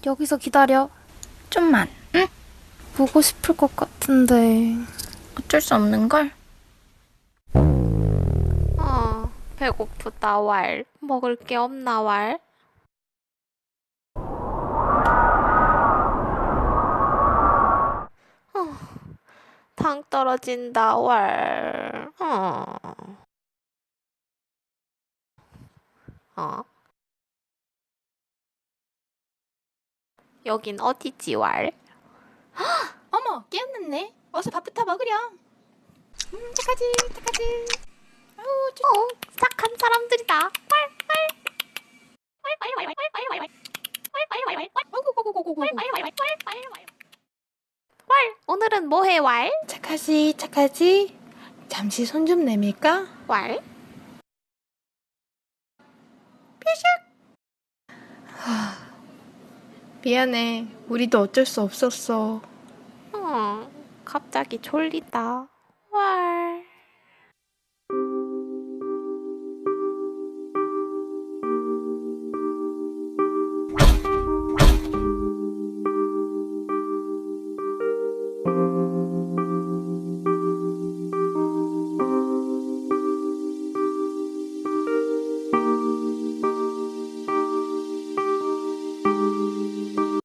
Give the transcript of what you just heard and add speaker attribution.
Speaker 1: 여기서 기다려.
Speaker 2: 좀만, 응?
Speaker 1: 보고 싶을 것 같은데.
Speaker 2: 어쩔 수 없는걸?
Speaker 1: 배고프다, 왈. 먹을 게 없나, 왈? 당 떨어진다, 왈. 어? 여긴 어디지, 왈?
Speaker 2: 어머, 깨었는네. 어서 밥부터 먹으렴. 착하지, 착하지. 아우,
Speaker 1: 착한 사람들이다. 왈,
Speaker 2: 고고고고고고.
Speaker 1: 왈. 오늘은 뭐해, 왈?
Speaker 2: 착하지, 착하지. 잠시 손 좀 내밀까?
Speaker 1: 왈?
Speaker 2: 미안해. 우리도 어쩔 수 없었어.
Speaker 1: 갑자기 졸리다. 왈.